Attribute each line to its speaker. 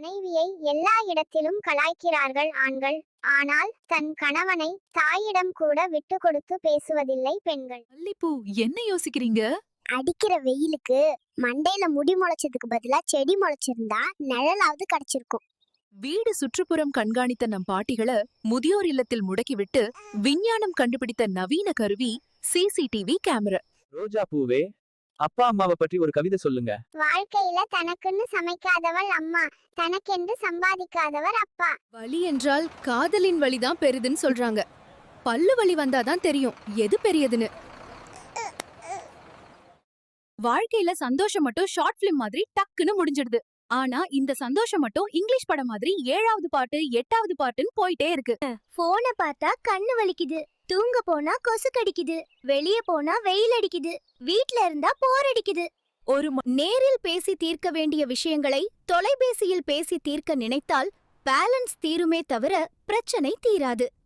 Speaker 1: மனைவியை எல்லா இடத்திலும் கலாய்க்கிறார்கள் ஆண்கள். ஆனால் தன் கணவனை தாயிடம் கூட விட்டு கொடுத்து பேசுவதில்லை பெண்கள்.
Speaker 2: மல்லிப்பூ, என்ன யோசிக்கிறீங்க?
Speaker 3: அடிக்கிற வெயிலுக்கு மண்டையில முடி முளைச்சதுக்கு பதிலா செடி முளைச்சிருந்தா நிழலாவது கிடைச்சிருக்கும்.
Speaker 2: வீடு சுற்றுப்புறம் கண்காணித்த நம் பாட்டிகளை முதியோர் இல்லத்தில் முடக்கிவிட்டு விஞ்ஞானம் கண்டுபிடித்த நவீன கருவி சிசிடிவி கேமரா.
Speaker 4: ரோஜா பூவே, அப்பா அம்மாவை பற்றி ஒரு கவிதை சொல்லுங்க.
Speaker 1: வாழ்க்கையில தனக்குன்னு சமைக்காதவள் அம்மா, தனக்கென்று சம்பாதிக்காதவர் அப்பா.
Speaker 5: வலி என்றால் காதலின் வலிதான் பெரிதுன்னு சொல்றாங்க. பல்லு வலி வந்தாதான் தெரியும் எது பெரியதுன்னு. வாழ்க்கையில சந்தோஷம் மட்டும் ஷார்ட் பிலிம் மாதிரி டக்குன்னு முடிஞ்சிடுது. ஆனா இந்த சந்தோஷம் மட்டும் இங்கிலீஷ் படம் மாதிரி 7வது பாட்டு 8வது பாட்டுன்னு போயிட்டே இருக்கு.
Speaker 3: போனை பார்த்தா கண்ணு வலிக்குது, தூங்க போனா கொசு கடிக்குது, வெளிய போனா வெயில் அடிக்குது, வீட்ல இருந்தா போர் அடிக்குது.
Speaker 5: நேரில் பேசி தீர்க்க வேண்டிய விஷயங்களை தொலைபேசியில் பேசி தீர்க்க நினைத்தால் பேலன்ஸ் தீருமே தவிர பிரச்சனை தீராது.